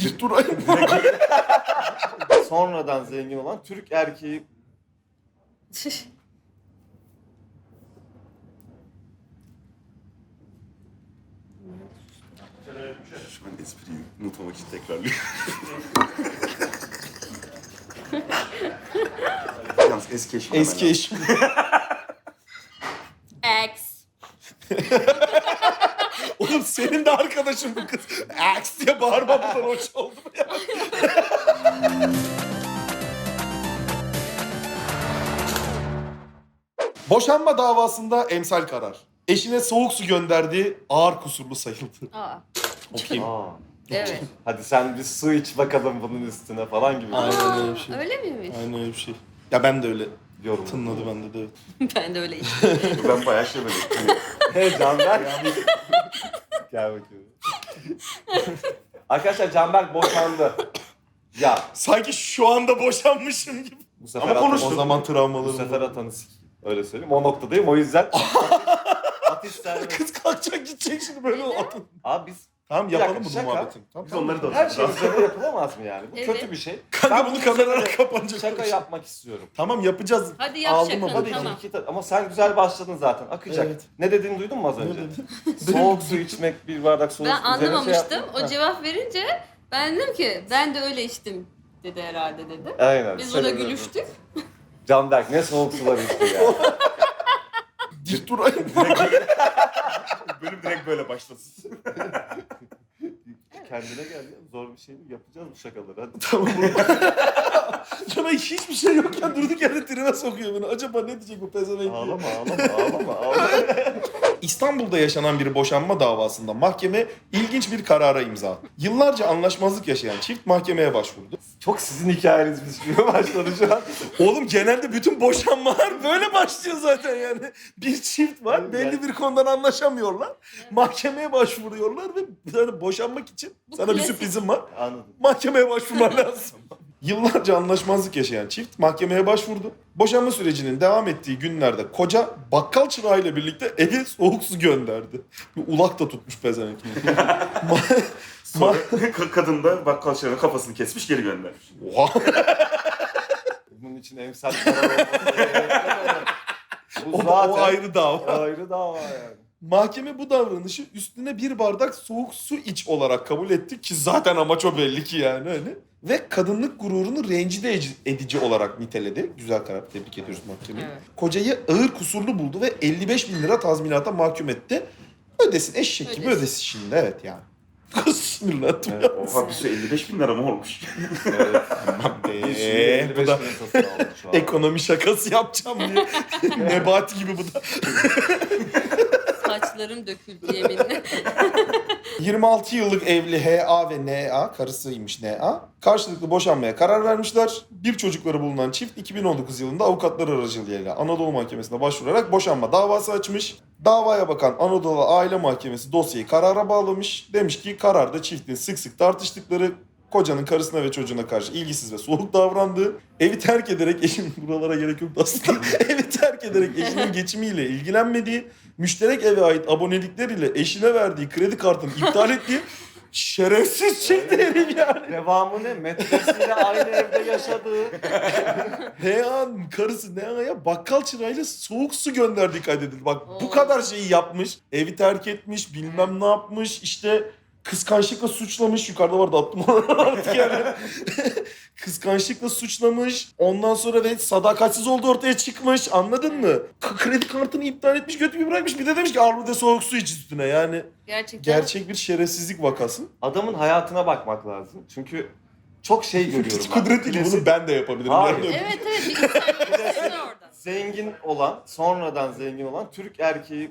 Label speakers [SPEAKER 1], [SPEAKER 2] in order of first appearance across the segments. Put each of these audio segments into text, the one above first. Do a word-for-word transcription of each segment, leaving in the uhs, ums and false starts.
[SPEAKER 1] Dur.
[SPEAKER 2] Sonradan zengin olan Türk erkeği.
[SPEAKER 1] Şu an espriyi unutmamak için tekrarlıyorum. Yalnız eski eşim.
[SPEAKER 3] Eski eşim.
[SPEAKER 4] X.
[SPEAKER 3] Oğlum senin de arkadaşın bu kız. Aks diye bağırmamdan hoş oldu mu ya? Boşanma davasında emsal karar. Eşine soğuk su gönderdiği ağır kusurlu sayıldı.
[SPEAKER 4] Aa.
[SPEAKER 3] Okuyayım.
[SPEAKER 2] Aa,
[SPEAKER 4] Evet.
[SPEAKER 2] hadi sen bir su iç bakalım bunun üstüne falan gibi.
[SPEAKER 3] Aynen öyle bir şey.
[SPEAKER 4] Öyle miymiş?
[SPEAKER 3] Aynen öyle bir şey. Ya ben de öyle
[SPEAKER 2] Yorum.
[SPEAKER 3] tınladı bende de evet.
[SPEAKER 4] Ben de öyle işte.
[SPEAKER 1] Ben bayağı şey böyle.
[SPEAKER 2] Hey Canberk. Gel bakayım. Arkadaşlar Canberk boşandı. Ya
[SPEAKER 3] Sanki şu anda boşanmışım gibi.
[SPEAKER 2] bu sefer
[SPEAKER 1] Ama
[SPEAKER 2] atan-
[SPEAKER 1] konuştuk.
[SPEAKER 3] O zaman travmalarım
[SPEAKER 2] Bu sefer
[SPEAKER 3] var.
[SPEAKER 2] atanı sikeyim. Öyle söyleyeyim. O noktadayım. O yüzden atış serbest.
[SPEAKER 3] Kız kalkacak gidecek şimdi böyle atın.
[SPEAKER 2] Abi biz
[SPEAKER 3] Tamam
[SPEAKER 2] Bir
[SPEAKER 3] yapalım
[SPEAKER 2] dakika,
[SPEAKER 3] bunu
[SPEAKER 2] şaka.
[SPEAKER 3] muhabbetini. Tamam,
[SPEAKER 1] Biz
[SPEAKER 3] tamam.
[SPEAKER 1] onları da
[SPEAKER 2] her şey
[SPEAKER 1] atıyoruz.
[SPEAKER 2] üzerine yapılamaz mı yani? Bu
[SPEAKER 4] Evet.
[SPEAKER 2] kötü bir şey.
[SPEAKER 3] Kanka
[SPEAKER 2] Ben
[SPEAKER 3] bunu
[SPEAKER 2] bunun
[SPEAKER 3] kameralar
[SPEAKER 2] üzerine
[SPEAKER 3] kapanacak.
[SPEAKER 2] Şaka yapmak istiyorum.
[SPEAKER 3] Tamam yapacağız.
[SPEAKER 4] Hadi yap
[SPEAKER 3] Aldım
[SPEAKER 4] şakanı,
[SPEAKER 3] ama
[SPEAKER 2] Hadi
[SPEAKER 4] tamam.
[SPEAKER 2] iki ta- ama sen güzel başladın zaten. Akacak.
[SPEAKER 3] Evet.
[SPEAKER 2] Ne dediğini duydun mu az
[SPEAKER 3] Ne
[SPEAKER 2] önce?
[SPEAKER 3] dedi?
[SPEAKER 2] Soğuk su içmek, bir bardak soğuk
[SPEAKER 4] Ben
[SPEAKER 2] su üzerine şey
[SPEAKER 4] anlamamıştım.
[SPEAKER 2] yapmak.
[SPEAKER 4] O cevap verince ben dedim ki ben de öyle içtim dedi herhalde dedi.
[SPEAKER 2] Aynen.
[SPEAKER 4] Biz
[SPEAKER 2] Sen
[SPEAKER 4] ona
[SPEAKER 2] öyle-
[SPEAKER 4] gülüştük.
[SPEAKER 2] Canberk ne soğuk sular içti ya.
[SPEAKER 3] Dur.
[SPEAKER 1] Bölüm direkt böyle başlasın.
[SPEAKER 2] Kendine gel ya. Zor bir şey değil. Yapacağız bu şakaları hadi.
[SPEAKER 3] Tamam. Cana hiçbir şey yokken durduk yerde trene sokuyor beni. Acaba ne diyecek bu pezevenk?
[SPEAKER 2] Ağlama ağlama ağlama ağlama.
[SPEAKER 3] İstanbul'da yaşanan bir boşanma davasında mahkeme ilginç bir karara imza attı. Yıllarca anlaşmazlık yaşayan çift mahkemeye başvurdu.
[SPEAKER 2] Çok sizin hikayenizmiş gibi başladı şu an.
[SPEAKER 3] Oğlum genelde bütün boşanmalar böyle başlıyor zaten yani. Bir çift var, belli bir konudan anlaşamıyorlar. Mahkemeye başvuruyorlar ve yani boşanmak için
[SPEAKER 4] Bu
[SPEAKER 3] sana bir
[SPEAKER 4] klasik.
[SPEAKER 3] sürprizim var.
[SPEAKER 2] Anladım.
[SPEAKER 3] Mahkemeye başvurman lazım. Yıllarca anlaşmazlık yaşayan çift mahkemeye başvurdu. Boşanma sürecinin devam ettiği günlerde koca bakkal çırağıyla birlikte eve soğuk su gönderdi. Bir ulak da tutmuş pezevenk. Ma-
[SPEAKER 1] Sonra ka- kadın da bakkal çırağının kafasını kesmiş geri göndermiş.
[SPEAKER 3] Oha.
[SPEAKER 2] Bunun için emsal karar olması gerekmez. Bu
[SPEAKER 3] O,
[SPEAKER 2] zaten
[SPEAKER 3] o ayrı dava.
[SPEAKER 2] ayrı dava yani.
[SPEAKER 3] Mahkeme bu davranışı üstüne bir bardak soğuk su iç olarak kabul etti ki zaten amaç o belli ki yani öyle. Ve kadınlık gururunu rencide edici olarak niteledi. Güzel karar, tebrik ediyoruz mahkemeyi.
[SPEAKER 4] Evet.
[SPEAKER 3] Kocayı ağır kusurlu buldu ve elli beş bin lira tazminata mahkum etti. Ödesin eşek gibi
[SPEAKER 4] Ödesin.
[SPEAKER 3] ödesin şimdi evet yani. Kız sinirlendim
[SPEAKER 2] Evet,
[SPEAKER 3] ya.
[SPEAKER 1] Oha bir sürü elli beş bin lira mı olmuş?
[SPEAKER 2] Evet.
[SPEAKER 3] Eee,
[SPEAKER 2] elli
[SPEAKER 3] bu
[SPEAKER 2] beş
[SPEAKER 3] da
[SPEAKER 2] bin satın aldık şu an.
[SPEAKER 3] ekonomi şakası yapacağım diye. Nebati gibi bu da.
[SPEAKER 4] Saçlarım döküldü yeminle.
[SPEAKER 3] yirmi altı yıllık evli H A ve N A, karısıymış N A, karşılıklı boşanmaya karar vermişler. Bir çocukları bulunan çift iki bin on dokuz yılında avukatlar aracılığıyla Anadolu Mahkemesi'ne başvurarak boşanma davası açmış. Davaya bakan Anadolu Aile Mahkemesi dosyayı karara bağlamış. Demiş ki kararda çiftin sık sık tartıştıkları, kocanın karısına ve çocuğuna karşı ilgisiz ve soğuk davrandığı, evi terk ederek eşin buralara gerek yok aslında. Evi terk ederek eşinin geçimiyle ilgilenmediği, müşterek eve ait abonelikleriyle eşine verdiği kredi kartını iptal ettiği şerefsiz çıktı herif yani.
[SPEAKER 2] Devamı ne? Metresiyle aynı evde yaşadığı.
[SPEAKER 3] H A'nın karısı N A'ya bakkal çırağıyla soğuk su gönderdiği kaydedildi. Bak bu
[SPEAKER 4] Oo.
[SPEAKER 3] kadar şeyi yapmış. Evi terk etmiş, bilmem ne yapmış. İşte kıskançlıkla suçlamış. Yukarıda vardı attım onu artık yani. Kıskançlıkla suçlamış. Ondan sonra ve sadakatsiz olduğu ortaya çıkmış. Anladın mı? K- kredi kartını iptal etmiş, götümü bırakmış. Bir de demiş ki al bir de soğuk su iç üstüne. Yani
[SPEAKER 4] Gerçekten.
[SPEAKER 3] gerçek bir şerefsizlik vakası.
[SPEAKER 2] Adamın hayatına bakmak lazım. Çünkü çok şey görüyorum ben.
[SPEAKER 3] Kudretiyle
[SPEAKER 2] Klasik-
[SPEAKER 3] bunu ben de yapabilirim.
[SPEAKER 2] Hayır.
[SPEAKER 3] Yani.
[SPEAKER 4] Evet evet bir insan orada.
[SPEAKER 2] Zengin olan, sonradan zengin olan Türk erkeği.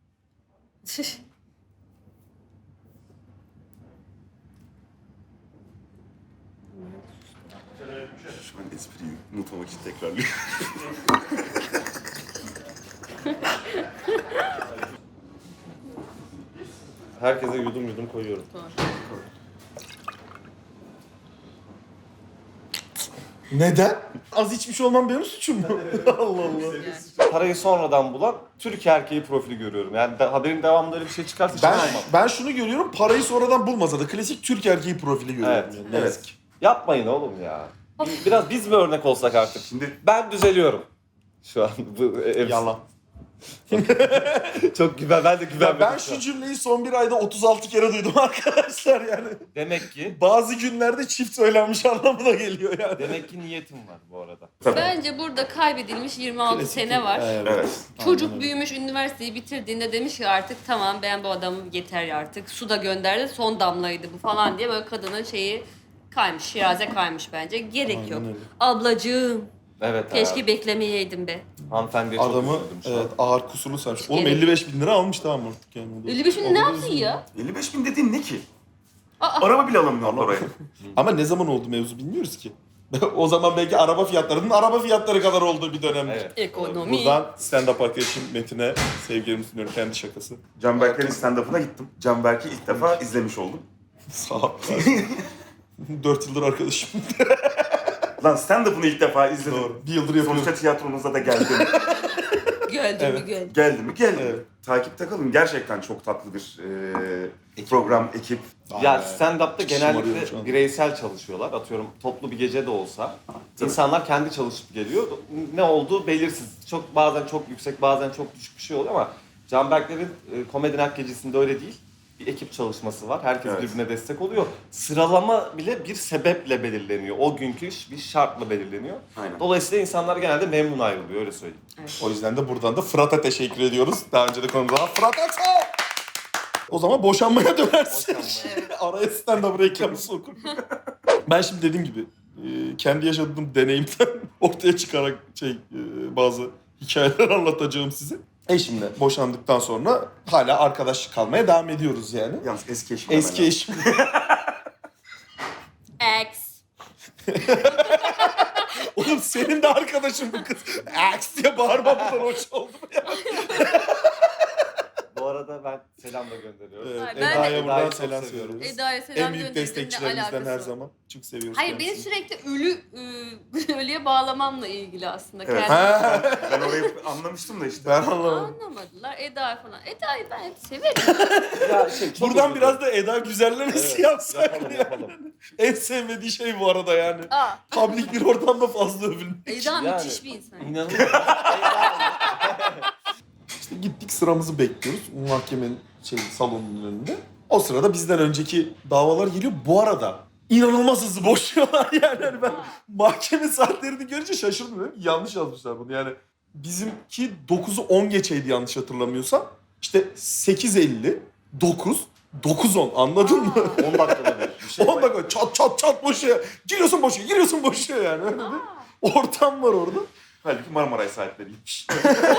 [SPEAKER 1] Şu an espriyi unutmamak için tekrarlıyorum.
[SPEAKER 2] Herkese yudum yudum koyuyorum.
[SPEAKER 3] Neden? Az içmiş olmam benim suçum mu? Allah Allah.
[SPEAKER 4] Yani.
[SPEAKER 2] parayı sonradan bulan Türk erkeği profili görüyorum. Yani de, haberin devamında öyle bir şey çıkarsa hiç
[SPEAKER 3] Ben
[SPEAKER 2] inanmam.
[SPEAKER 3] ben şunu görüyorum, parayı sonradan bulmasa da klasik Türk erkeği profili görüyorum.
[SPEAKER 2] Evet,
[SPEAKER 3] Yani. Ne
[SPEAKER 1] evet.
[SPEAKER 3] yazık ki.
[SPEAKER 2] Yapmayın oğlum ya. Bir- Biraz biz mi örnek olsak artık?
[SPEAKER 1] Şimdi
[SPEAKER 2] Ben düzeliyorum. Şu an bu ev
[SPEAKER 3] Yalan.
[SPEAKER 2] çok güven, ben de
[SPEAKER 3] Ya
[SPEAKER 2] güvenmedim.
[SPEAKER 3] ben
[SPEAKER 2] şu an.
[SPEAKER 3] şu cümleyi son bir ayda otuz altı kere duydum arkadaşlar yani.
[SPEAKER 2] Demek ki
[SPEAKER 3] Bazı günlerde çift söylenmiş anlamına geliyor yani.
[SPEAKER 2] demek ki niyetim var bu arada.
[SPEAKER 1] tabii.
[SPEAKER 4] Bence burada kaybedilmiş yirmi altı
[SPEAKER 3] Klasik
[SPEAKER 4] sene
[SPEAKER 3] Türk-
[SPEAKER 4] var.
[SPEAKER 3] Evet.
[SPEAKER 1] Evet.
[SPEAKER 4] Çocuk
[SPEAKER 3] Aynen öyle.
[SPEAKER 4] büyümüş, üniversiteyi bitirdiğinde demiş ki artık tamam ben bu adamı yeter artık. Su da gönderdi, son damlaydı bu falan diye böyle kadının şeyi kaymış, şiraze kaymış bence. Gerek
[SPEAKER 3] Aynen
[SPEAKER 4] yok.
[SPEAKER 3] öyle.
[SPEAKER 4] Ablacığım,
[SPEAKER 2] Evet
[SPEAKER 4] keşke
[SPEAKER 2] abi.
[SPEAKER 4] beklemeyeydim be.
[SPEAKER 2] Hanımefendiye çok
[SPEAKER 3] Adamı
[SPEAKER 2] üzüldüm şu
[SPEAKER 3] evet,
[SPEAKER 2] an.
[SPEAKER 3] ağır kusurlu sarmış. Oğlum
[SPEAKER 4] Gerek-
[SPEAKER 3] elli beş bin lira almış tamam artık yani. O da-
[SPEAKER 4] elli beş bin
[SPEAKER 3] o
[SPEAKER 4] ne
[SPEAKER 3] da
[SPEAKER 4] yapsın
[SPEAKER 3] üzüldüm.
[SPEAKER 4] ya?
[SPEAKER 1] elli beş bin dediğin ne ki?
[SPEAKER 4] Aa.
[SPEAKER 1] Araba bile alamıyor oraya.
[SPEAKER 3] Ama ne zaman oldu mevzu bilmiyoruz ki. O zaman belki araba fiyatlarının araba fiyatları kadar olduğu bir dönemdir.
[SPEAKER 2] Evet.
[SPEAKER 4] Ekonomi.
[SPEAKER 3] Buradan stand-up arkadaşım Metin'e sevgilerimi sunuyorum, kendi şakası.
[SPEAKER 1] Can Berker'in stand-up'ına gittim. Can Berk'i ilk defa izlemiş oldum.
[SPEAKER 3] Sağ ol. Dört yıldır arkadaşım.
[SPEAKER 1] Lan stand-up'ını ilk defa izledim.
[SPEAKER 3] Doğru. Bir yıldır yapıyorum.
[SPEAKER 1] Sonuçta tiyatronuza da geldim.
[SPEAKER 4] Geldi mi
[SPEAKER 3] Evet.
[SPEAKER 4] geldi.
[SPEAKER 1] Geldi mi? Geldi.
[SPEAKER 3] Evet.
[SPEAKER 1] Takipte kalın. Gerçekten çok tatlı bir e, program, ekip.
[SPEAKER 2] Ya
[SPEAKER 3] Aa,
[SPEAKER 2] stand-up'ta
[SPEAKER 3] şımarıyorum şu
[SPEAKER 2] genellikle
[SPEAKER 3] an.
[SPEAKER 2] bireysel çalışıyorlar. Atıyorum toplu bir gece de olsa. İnsanlar kendi çalışıp geliyor. Ne olduğu belirsiz. Çok bazen çok yüksek, bazen çok düşük bir şey oluyor ama Canberklerin e, Komedi Night gecesinde öyle değil. Bir ekip çalışması var. Herkes
[SPEAKER 1] Evet.
[SPEAKER 2] birbirine destek oluyor. Sıralama bile bir sebeple belirleniyor. O günkü iş bir şartla belirleniyor.
[SPEAKER 1] Aynen.
[SPEAKER 2] Dolayısıyla insanlar genelde memnun ayrılıyor, öyle söyleyeyim.
[SPEAKER 3] O yüzden de buradan da Fırat'a teşekkür ediyoruz. Daha önce de konumuza Fırat Aksa! O zaman boşanmaya dönersin.
[SPEAKER 2] Boşanmaya.
[SPEAKER 3] Araya stand-up reklamı sokur. Ben şimdi dediğim gibi e, kendi yaşadığım deneyimden ortaya çıkarak şey e, bazı hikayeler anlatacağım size. Eşimle boşandıktan sonra hala arkadaş kalmaya devam ediyoruz yani.
[SPEAKER 1] Yalnız eski eşim.
[SPEAKER 3] Eski eşim.
[SPEAKER 4] X.
[SPEAKER 3] Oğlum senin de arkadaşın bu kız. Aks diye bağırma buradan hoş oldu mu ya?
[SPEAKER 2] Bu arada ben selam da gönderiyorum.
[SPEAKER 3] Evet,
[SPEAKER 4] Ay, ben de-
[SPEAKER 3] Eda'ya buradan
[SPEAKER 2] Eda'yı çok
[SPEAKER 3] selam
[SPEAKER 2] seviyorum.
[SPEAKER 3] söylüyoruz.
[SPEAKER 4] Eda'ya selam
[SPEAKER 3] En büyük
[SPEAKER 4] gönderdim, ne
[SPEAKER 3] destekçilerimizden
[SPEAKER 4] alakası
[SPEAKER 3] her
[SPEAKER 4] var?
[SPEAKER 3] zaman. Çok seviyoruz
[SPEAKER 4] Hayır beni
[SPEAKER 3] kendisini.
[SPEAKER 4] sürekli ölü e, ölüye bağlamamla ilgili aslında.
[SPEAKER 1] Evet.
[SPEAKER 4] Kendi-
[SPEAKER 3] Ha,
[SPEAKER 1] Ben orayı anlamıştım da işte.
[SPEAKER 3] ben anlamadım.
[SPEAKER 4] Anlamadılar. Eda falan. Eda'yı ben hep severim.
[SPEAKER 2] Ya şey, çok
[SPEAKER 3] Buradan
[SPEAKER 2] özür
[SPEAKER 3] biraz
[SPEAKER 2] dilerim.
[SPEAKER 3] da Eda güzellemesi
[SPEAKER 2] Evet,
[SPEAKER 3] yapsak
[SPEAKER 2] yapalım,
[SPEAKER 3] ya.
[SPEAKER 2] yapalım.
[SPEAKER 3] En sevmediği şey bu arada yani.
[SPEAKER 4] Aa,
[SPEAKER 3] Public bir ortamda fazla övülmek.
[SPEAKER 4] Eda
[SPEAKER 2] Yani,
[SPEAKER 4] müthiş bir insan.
[SPEAKER 2] İnanılmaz.
[SPEAKER 3] İşte gittik sıramızı bekliyoruz mahkemenin şey, salonunun önünde. O sırada bizden önceki davalar geliyor. Bu arada inanılmaz hızlı boşuyorlar yani. Hani ben mahkeme saatlerini görünce şaşırdım. Dedim. Yanlış yazmışlar bunu yani. Bizimki dokuzu on geçeydi yanlış hatırlamıyorsam. İşte sekiz elli, dokuz, dokuz on anladın mı?
[SPEAKER 2] on dakikada bir. bir şey
[SPEAKER 3] on
[SPEAKER 2] var.
[SPEAKER 3] dakika çat çat çat boşuyor. Giriyorsun boşuyor, giriyorsun boşuyor yani. Öyle bir ortam var orada.
[SPEAKER 1] Halbuki Marmaray saatleriymiş.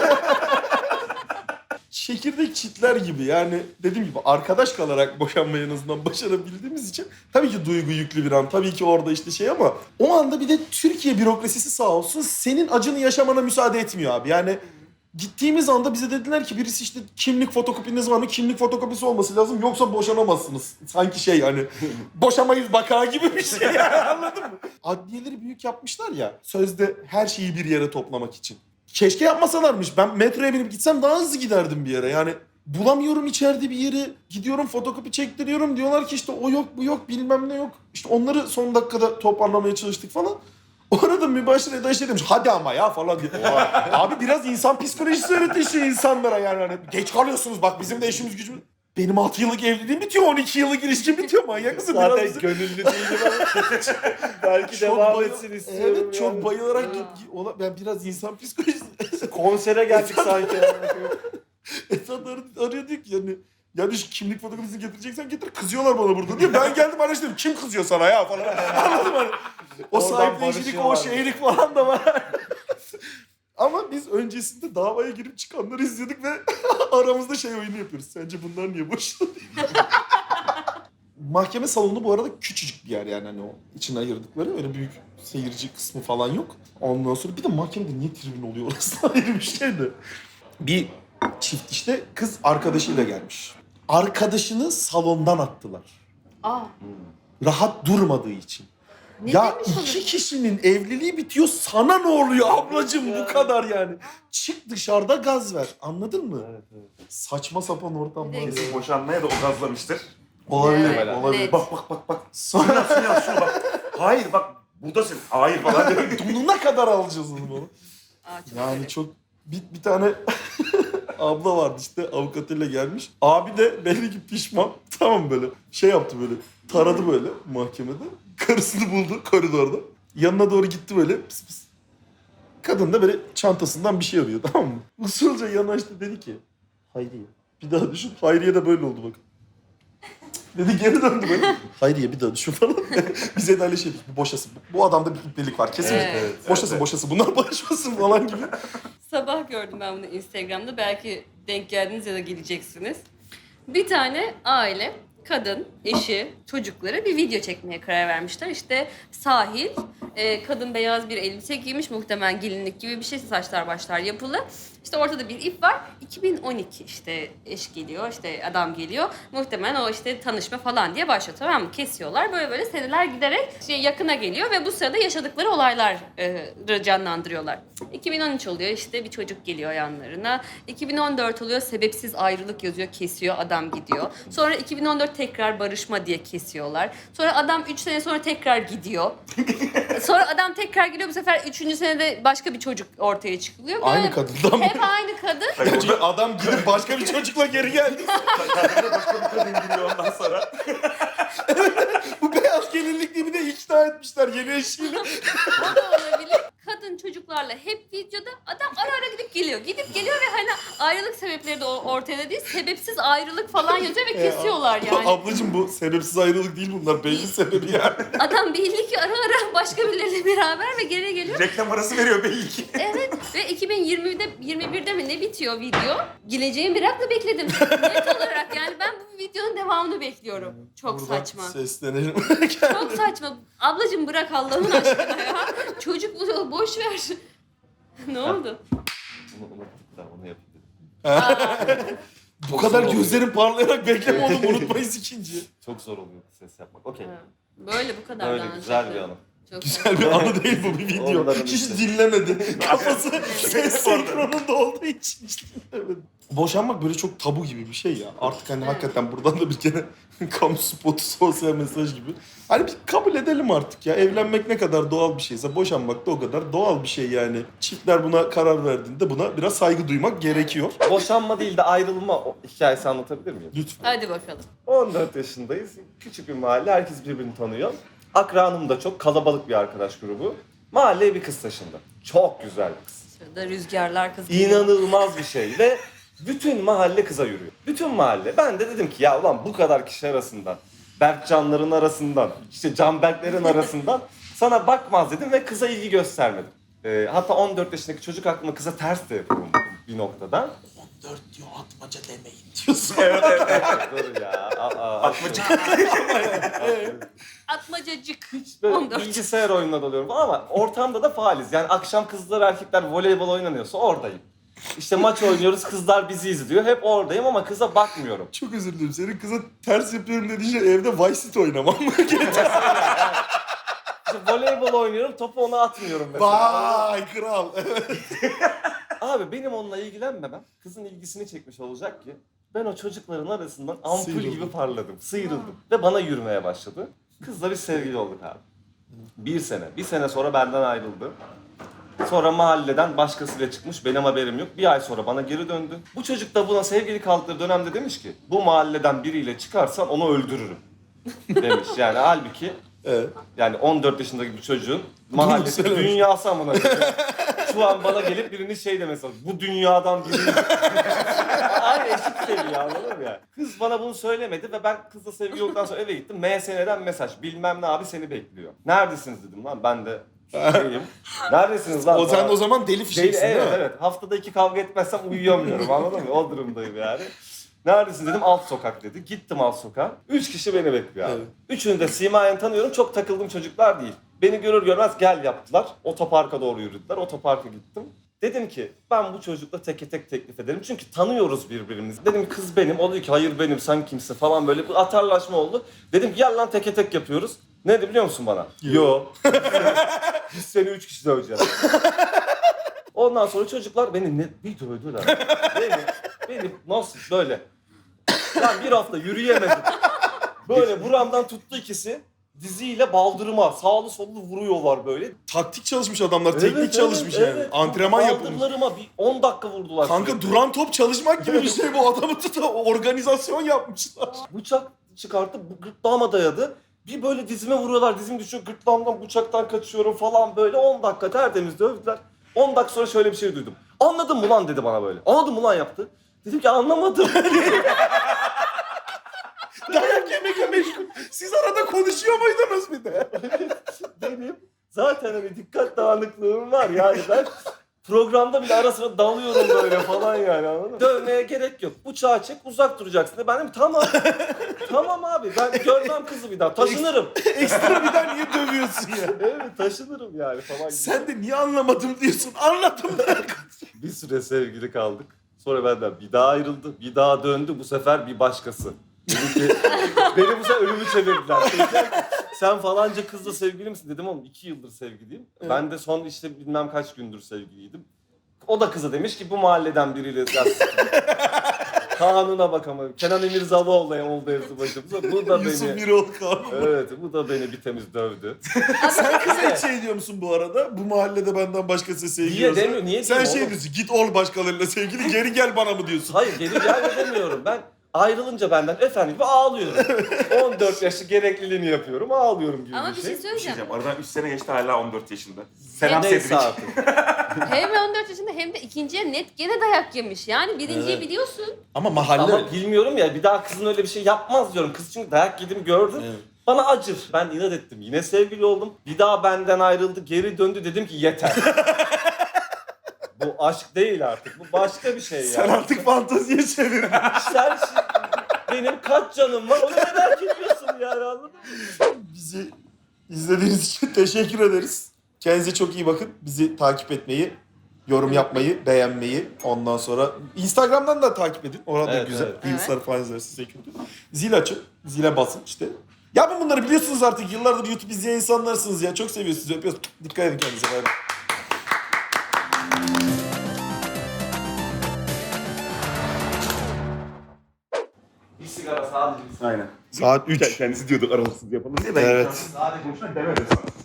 [SPEAKER 3] Çekirdek çitler gibi yani dediğim gibi arkadaş kalarak boşanmayı en azından başarabildiğimiz için tabii ki duygu yüklü bir an, tabii ki orada işte şey ama o anda bir de Türkiye bürokrasisi sağ olsun senin acını yaşamana müsaade etmiyor abi. Yani gittiğimiz anda bize dediler ki birisi işte kimlik fotokopiniz var mı? Kimlik fotokopisi olması lazım yoksa boşanamazsınız. Sanki şey hani boşamayız baka gibi bir şey yani, anladın mı? Adliyeleri büyük yapmışlar ya sözde her şeyi bir yere toplamak için. Keşke yapmasalarmış. Ben metroya binip gitsem daha hızlı giderdim bir yere. Yani bulamıyorum içeride bir yeri. Gidiyorum fotokopi çektiriyorum. Diyorlar ki işte o yok bu yok bilmem ne yok. İşte onları son dakikada toparlamaya çalıştık falan. O arada mübaşir Eda şey demiş hadi ama ya falan diye. Abi biraz insan psikolojisi öğretin şu insanlara yani. Hani geç kalıyorsunuz bak bizim de işimiz gücümüz. Benim altı yıllık evliliğim bitiyor, on iki yıllık ilişkim bitiyor. Manyak mısın?
[SPEAKER 2] Zaten
[SPEAKER 3] Biraz-
[SPEAKER 2] gönüllü değilim ama belki
[SPEAKER 3] Çok
[SPEAKER 2] devam
[SPEAKER 3] bayıl-
[SPEAKER 2] etsin istiyorum.
[SPEAKER 3] Evet çok
[SPEAKER 2] yani.
[SPEAKER 3] bayılarak git. Ona, ben biraz insan psikolojisi.
[SPEAKER 2] Konsere geldik sanki.
[SPEAKER 3] Esat ar- arıyor diyor ki yani yani şu kimlik fotoğrafını getireceksen getir kızıyorlar bana burada diye. Ben geldim araştırdım kim kızıyor sana ya falan. Anladın mı? O
[SPEAKER 2] Oradan
[SPEAKER 3] sahipleyicilik o
[SPEAKER 2] barışıyorlar.
[SPEAKER 3] şeylik falan da var. Ama biz öncesinde davaya girip çıkanları izledik ve aramızda şey oyunu yapıyoruz. Sence bunlar niye boşanıyor? Mahkeme salonu bu arada küçücük bir yer yani hani o içine ayırdıkları öyle büyük seyirci kısmı falan yok. Ondan sonra bir de mahkemede niye tribün oluyor orası ayrı bir şey de. Bir çift işte kız arkadaşıyla gelmiş. Arkadaşını salondan attılar.
[SPEAKER 4] Aa.
[SPEAKER 3] Rahat durmadığı için.
[SPEAKER 4] Ne
[SPEAKER 3] Ya
[SPEAKER 4] demiş
[SPEAKER 3] iki
[SPEAKER 4] olabilir?
[SPEAKER 3] kişinin evliliği bitiyor, sana ne oluyor ablacığım, bu kadar yani. Çık dışarıda gaz ver, anladın mı?
[SPEAKER 2] Evet, evet.
[SPEAKER 3] Saçma sapan ortamlar.
[SPEAKER 4] Bir de-
[SPEAKER 1] Kesin boşanmaya da o gazlamıştır.
[SPEAKER 3] Olabilir,
[SPEAKER 4] Evet,
[SPEAKER 3] olabilir.
[SPEAKER 4] net.
[SPEAKER 1] Bak bak bak bak. Sonra şunu şunu bak. Hayır bak buradasın. Hayır falan diyor.
[SPEAKER 3] Donuna kadar alacağız onu.
[SPEAKER 4] Aa, çok
[SPEAKER 3] Yani
[SPEAKER 4] garip.
[SPEAKER 3] çok bir, bir tane abla vardı işte, avukatıyla gelmiş. Abi de belli ki pişman. Tamam, böyle şey yaptı, böyle taradı böyle mahkemede. Karısını buldu koridorda. Yanına doğru gitti böyle, pıs pıs. Kadın da böyle çantasından bir şey arıyor, tamam mı? Usulca yanaştı, dedi ki Hayriye bir daha düşün. Hayriye de böyle oldu bakın. Dedi, geri döndü böyle. Hayriye bir daha düşün falan. Bize de öyle şey dedik, bu boşasın. Bu adamda bir iplelik var kesin.
[SPEAKER 4] Evet.
[SPEAKER 1] Evet,
[SPEAKER 3] Boşasın
[SPEAKER 1] evet.
[SPEAKER 3] boşasın, bunlar barışmasın falan gibi.
[SPEAKER 4] Sabah gördüm ben bunu Instagram'da. Belki denk geldiniz ya da geleceksiniz. Bir tane aile, kadın, eşi, çocukları bir video çekmeye karar vermişler. İşte sahil, e, kadın beyaz bir elbise giymiş, muhtemelen gelinlik gibi bir şey, saçlar başlar yapılı. İşte ortada bir ip var. iki bin on iki işte eş geliyor, işte adam geliyor. Muhtemelen o işte tanışma falan diye başlıyor, tamam mı? Kesiyorlar. Böyle böyle seneler giderek şey yakına geliyor ve bu sırada yaşadıkları olayları canlandırıyorlar. iki bin on üç oluyor, işte bir çocuk geliyor yanlarına. iki bin on dört oluyor, sebepsiz ayrılık yazıyor, kesiyor, adam gidiyor. Sonra iki bin on dört tekrar barışma diye kesiyorlar. Sonra adam üç sene sonra tekrar gidiyor. Sonra adam tekrar geliyor, bu sefer üçüncü senede başka bir çocuk ortaya çıkıyor. Böyle
[SPEAKER 3] Aynı kadından mı?
[SPEAKER 4] hep aynı kadın.
[SPEAKER 1] Hayır,
[SPEAKER 3] Çünkü
[SPEAKER 1] orada
[SPEAKER 3] adam gidip başka bir çocukla geri geldi.
[SPEAKER 1] kadına başka bir kadın giriyor ondan sonra.
[SPEAKER 3] Bu beyaz gelinlikli bir de ikna etmişler yeni eşiyle.
[SPEAKER 4] O da olabilir. Kadın çocuklarla hep videoda, adam ara ara gidip geliyor. Gidip geliyor ve hani ayrılık sebepleri de o- ortada değil. Sebepsiz ayrılık falan yazıyor ve kesiyorlar yani.
[SPEAKER 3] Ablacığım bu sebepsiz ayrılık değil bunlar. Belli sebebi yani.
[SPEAKER 4] Adam belli ki ara ara başka birileriyle beraber ve geri geliyor.
[SPEAKER 1] Reklam arası veriyor belli ki.
[SPEAKER 4] Evet ve iki bin yirmide yirmi birde mi ne bitiyor video? Geleceğin merakla bekledim. Net olarak yani ben bu videonun devamını bekliyorum. Çok
[SPEAKER 3] Buradan
[SPEAKER 4] saçma.
[SPEAKER 3] Seslenelim.
[SPEAKER 4] Çok saçma. Ablacığım bırak Allah'ın aşkına ya. Çocuk bu, boş ver. Ne oldu?
[SPEAKER 2] Bunu unuttuk da onu yapayım dedim.
[SPEAKER 3] Bu kadar gözlerim parlayarak bekleme oğlum, unutmayız ikinci.
[SPEAKER 2] Çok zor oluyor ses yapmak. Okey.
[SPEAKER 4] Böyle bu kadar.
[SPEAKER 2] Öyle
[SPEAKER 4] daha
[SPEAKER 2] güzel
[SPEAKER 4] önce.
[SPEAKER 2] bir anı.
[SPEAKER 4] Çok
[SPEAKER 3] Güzel bir anı değil bu, bir video.
[SPEAKER 2] Onların
[SPEAKER 3] Hiç
[SPEAKER 2] işte.
[SPEAKER 3] dinlemedi. Kafası ses senkronunda olduğu için hiç dinlemedi. Boşanmak böyle çok tabu gibi bir şey ya. Artık hani
[SPEAKER 4] Evet.
[SPEAKER 3] hakikaten buradan da bir kere kamu spotu, sosyal mesaj gibi. Hani bir kabul edelim artık ya. Evlenmek ne kadar doğal bir şeyse boşanmak da o kadar doğal bir şey yani. Çiftler buna karar verdiğinde buna biraz saygı duymak gerekiyor.
[SPEAKER 2] Boşanma değil de ayrılma o- hikayesi anlatabilir miyim?
[SPEAKER 3] Lütfen.
[SPEAKER 4] Hadi bakalım.
[SPEAKER 2] on dört yaşındayız. Küçük bir mahalle. Herkes birbirini tanıyor. Akranım da çok kalabalık bir arkadaş grubu. Mahalleye bir kız taşındı. Çok güzel bir kız.
[SPEAKER 4] Şurada rüzgarlar kız.
[SPEAKER 2] İnanılmaz bir şey ve bütün mahalle kıza yürüyor. Bütün mahalle. Ben de dedim ki ya ulan bu kadar kişi arasından, Berkcanların arasından, işte Canberklerin arasından sana bakmaz dedim ve kıza ilgi göstermedim. Ee, hatta on dört yaşındaki çocuk aklıma kıza ters de yapıyorum bir noktada.
[SPEAKER 3] dört diyor, atmaca demeyin diyorsun.
[SPEAKER 1] Evet evet evet.
[SPEAKER 2] Dur ya. Aa,
[SPEAKER 1] Atmacık.
[SPEAKER 4] Atmacacık.
[SPEAKER 2] Hiç böyle
[SPEAKER 4] on dört.
[SPEAKER 2] bilgisayar oyununa dalıyorum falan ama ortamda da faaliz. Yani akşam kızlar erkekler voleybol oynanıyorsa oradayım. İşte maç oynuyoruz, kızlar bizi izliyor. Hep oradayım ama kıza bakmıyorum.
[SPEAKER 3] Çok özür dilerim. Senin kıza ters yapıyorum dediğin şey evde Vice City oynamam mı?
[SPEAKER 2] İşte voleybol oynuyorum, topu ona atmıyorum mesela.
[SPEAKER 3] Vay kral.
[SPEAKER 2] Abi benim onunla ilgilenmemem kızın ilgisini çekmiş olacak ki ben o çocukların arasından ampul
[SPEAKER 3] Sıyrıldın.
[SPEAKER 2] gibi parladım, sıyrıldım ve bana yürümeye başladı. Kızla biz sevgili olduk abi. Bir sene, bir sene sonra benden ayrıldı. Sonra mahalleden başkasıyla çıkmış, benim haberim yok. Bir ay sonra bana geri döndü. Bu çocuk da buna sevgili kaldıkları dönemde demiş ki bu mahalleden biriyle çıkarsan onu öldürürüm demiş. Yani halbuki
[SPEAKER 3] Evet.
[SPEAKER 2] yani on dört yaşındaki bir çocuğun mahallesi
[SPEAKER 3] söylemiş.
[SPEAKER 2] dünyası amına koyayım. Şu an bana gelip birinin şey demesi lazım. Bu dünyadan biri. Aynı eşit seviye anladın mı ya? Kız bana bunu söylemedi ve ben kızla sevgili olduktan sonra eve gittim. M S N'den mesaj. Bilmem ne abi seni bekliyor. Neredesiniz dedim lan ben de şeyim. Neredesiniz lan?
[SPEAKER 3] O sen
[SPEAKER 2] Bana-
[SPEAKER 3] o zaman deli
[SPEAKER 2] Değil,
[SPEAKER 3] fişeksin değil
[SPEAKER 2] evet
[SPEAKER 3] mi?
[SPEAKER 2] evet. Haftada iki kavga etmezsem uyuyamıyorum anladın mı? O durumdayım yani. Neredesin dedim alt sokak dedi. Gittim alt sokağa. Üç kişi beni bekliyor abi.
[SPEAKER 3] Evet.
[SPEAKER 2] Üçünü de simayen tanıyorum. Çok takıldığım çocuklar değil. Beni görür görmez gel yaptılar. Otoparka doğru yürüdüler. Otoparka gittim. Dedim ki ben bu çocukla teke tek teklif ederim. Çünkü tanıyoruz birbirimizi. Dedim kız benim. O dedi ki hayır benim sen kimsin falan böyle bir atarlaşma oldu. Dedim ki gel lan teke tek yapıyoruz. Ne dedi biliyor musun bana? Yo. Biz seni üç kişi döveceğiz. Ondan sonra çocuklar beni ne bir dövdüler. Beni, beni nasıl böyle. Ben bir hafta yürüyemedim. Böyle buramdan tuttu ikisi. Diziyle baldırıma sağlı sollu vuruyorlar böyle.
[SPEAKER 3] Taktik çalışmış adamlar, teknik
[SPEAKER 2] Evet,
[SPEAKER 3] çalışmış
[SPEAKER 2] evet,
[SPEAKER 3] yani.
[SPEAKER 2] evet.
[SPEAKER 3] Antrenman yapılmış.
[SPEAKER 2] Baldırlarıma bir on dakika vurdular.
[SPEAKER 3] Kanka
[SPEAKER 2] sürekli.
[SPEAKER 3] duran top çalışmak gibi bir şey bu. Adamı tutup organizasyon yapmışlar.
[SPEAKER 2] Bıçak çıkartıp bu gırtlağıma dayadı. Bir böyle dizime vuruyorlar, dizim düşüyor, gırtlağımdan bıçaktan kaçıyorum falan böyle. on dakika tertemiz dövdüler. on dakika sonra şöyle bir şey duydum. Anladın mı lan dedi bana böyle. Anladın mı lan yaptı. Dedim ki anlamadım.
[SPEAKER 3] Dayak yemekle meşgul. Siz arada konuşuyor muydunuz bir de?
[SPEAKER 2] Benim zaten hani dikkat dağınıklığım var yani ben programda bile ara sıra dalıyorum böyle falan yani anladın mı? Dövmeye gerek yok. Bıçağı çek uzak duracaksın. de. Ben dedim tamam. Tamam abi ben görmem kızı bir daha taşınırım.
[SPEAKER 3] Ekstra bir daha niye dövüyorsun ya?
[SPEAKER 2] Evet taşınırım yani falan gibi.
[SPEAKER 3] Sen de niye anlamadım diyorsun. Anladım ben.
[SPEAKER 2] Bir süre sevgili kaldık. Sonra benden bir daha ayrıldı. Bir daha döndü. Bu sefer bir başkası. Dedi ki, beni bu sefer ölümü çevirdiler. Dediler ki, sen falanca kızla sevgili misin? Dedim oğlum iki yıldır sevgiliyim.
[SPEAKER 3] Evet.
[SPEAKER 2] Ben de son işte bilmem kaç gündür sevgiliydim. O da kıza demiş ki bu mahalleden biriyle biraz kanuna bak ama. Kenan İmirzalıoğlu oldu hepsi başımıza. Bu da
[SPEAKER 3] Yusuf
[SPEAKER 2] beni...
[SPEAKER 3] Miroğlu kanun.
[SPEAKER 2] Evet bu da beni bir temiz dövdü.
[SPEAKER 3] Sen kıza hiç şey diyor musun bu arada? Bu mahallede benden başkası sevgili
[SPEAKER 2] Niye
[SPEAKER 3] olsa-
[SPEAKER 2] demiyor? Niye
[SPEAKER 3] Sen
[SPEAKER 2] diyeyim
[SPEAKER 3] şey
[SPEAKER 2] oğlum?
[SPEAKER 3] diyorsun, git ol başkalarıyla sevgili, geri gel bana mı diyorsun?
[SPEAKER 2] Hayır geri gelme demiyorum. Ben ayrılınca benden efendim gibi ağlıyorum. on dört yaşlı gerekliliğini yapıyorum, ağlıyorum gibi
[SPEAKER 4] Ama
[SPEAKER 2] bir
[SPEAKER 4] bir
[SPEAKER 2] şey.
[SPEAKER 4] şey
[SPEAKER 1] Bir şey
[SPEAKER 4] söyleyeceğim.
[SPEAKER 1] diyeceğim. Aradan üç sene geçti hala on dört yaşında. Selam
[SPEAKER 2] Neyse
[SPEAKER 1] Cedric.
[SPEAKER 2] artık.
[SPEAKER 4] Hem on dört yaşında hem de ikinciye net gene dayak yemiş. Yani birinciyi
[SPEAKER 3] Evet.
[SPEAKER 4] biliyorsun.
[SPEAKER 3] Ama mahalle
[SPEAKER 2] Ama bilmiyorum ya bir daha kızın öyle bir şey yapmaz diyorum. Kız çünkü dayak yedim gördüm.
[SPEAKER 3] Evet.
[SPEAKER 2] Bana acır. Ben inat ettim. Yine sevgili oldum. Bir daha benden ayrıldı. Geri döndü. Dedim ki yeter. Bu aşk değil artık. Bu başka bir şey
[SPEAKER 3] Sen
[SPEAKER 2] ya.
[SPEAKER 3] artık fanteziye çevirdin.
[SPEAKER 2] Sen şi- benim kaç canım var onu merak ediyorsun yani anladın mı?
[SPEAKER 3] Bizi izlediğiniz için teşekkür ederiz. Kendinize çok iyi bakın. Bizi takip etmeyi, yorum yapmayı, beğenmeyi, ondan sonra Instagram'dan da takip edin. Orada
[SPEAKER 2] Evet,
[SPEAKER 3] güzel.
[SPEAKER 2] evet.
[SPEAKER 3] Reels'lar falan izlersiniz size kötü. Zil açın, zile basın işte. Ya ben bunları biliyorsunuz artık. Yıllardır YouTube izleyen insanlarsınız ya. Çok seviyoruz sizi, öpüyoruz. Dikkat edin kendinize. Bay bay.
[SPEAKER 2] Bir sigara sadece bir sigara.
[SPEAKER 1] Aynen.
[SPEAKER 3] Saat üç.
[SPEAKER 1] Kendisi diyordu aralıksız yapalım diye ben
[SPEAKER 3] Evet.
[SPEAKER 1] sadece konuşmak demedim sana.